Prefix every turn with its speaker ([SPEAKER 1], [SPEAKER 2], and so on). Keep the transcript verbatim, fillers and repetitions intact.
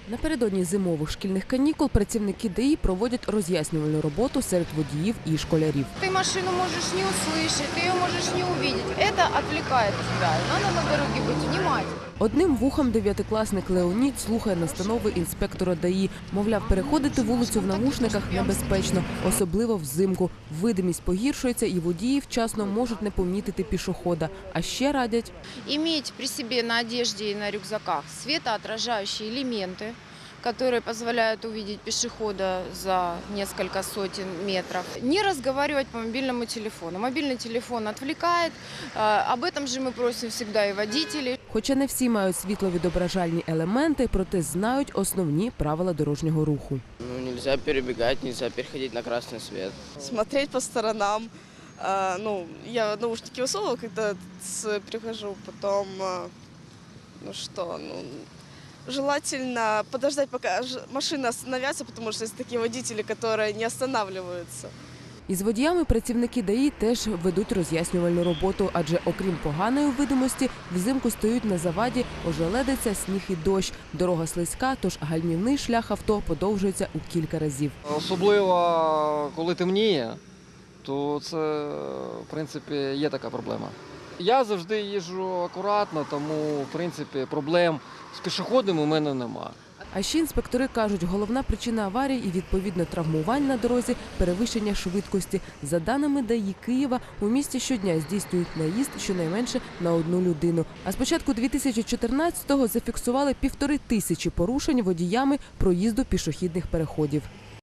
[SPEAKER 1] Напередодні зимових шкільних канікул працівники ДАІ проводять роз'яснювальну роботу серед водіїв і школярів.
[SPEAKER 2] Ты машину можешь не услышать, ты ее можешь не увидеть. Это отвлекает тебя. Надо на дороге быть внимательным.
[SPEAKER 1] Одним вухом дев'ятикласник Леонід слухає настанови інспектора ДАІ. Мовляв, переходити вулицю в навушниках небезпечно, особливо взимку. Видимість погіршується і водії вчасно можуть не помітити пішохода. А ще радять
[SPEAKER 2] Иметь при себе на одежде и на рюкзаках светоотражающие элементы, которые позволяют увидеть пешехода за несколько сотен метров. Не разговаривать по мобильному телефону. Мобильный телефон отвлекает. Э, Об этом же мы просим всегда и водителей.
[SPEAKER 1] Хоча не всі мають світловідображальні елементи, проте знають основні правила дорожнього руху.
[SPEAKER 3] Ну, нельзя перебегать, нельзя переходить на красный свет.
[SPEAKER 4] Смотреть по сторонам. А, ну, я наушники высовывала, когда с- прихожу, потом, а, ну что, ну, желательно подождать, пока ж- машины остановятся, потому что есть такие водители, которые не останавливаются.
[SPEAKER 1] Із водіями працівники ДАІ теж ведуть роз'яснювальну роботу, адже окрім поганої видимості, взимку стають на заваді ожеледиця, сніг і дощ. Дорога слизька, тож гальмівний шлях авто подовжується у кілька разів.
[SPEAKER 5] Особливо, коли темніє, то це, в принципі, є така проблема. Я завжди їжджу акуратно, тому, в принципі, проблем з пішоходами у мене немає.
[SPEAKER 1] А ще інспектори кажуть, головна причина аварій і, відповідно, травмувань на дорозі – перевищення швидкості. За даними ДАІ Києва, у місті щодня здійснюють наїзд щонайменше на одну людину. А з початку дві тисячі чотирнадцятого зафіксували півтори тисячі порушень водіями проїзду пішохідних переходів.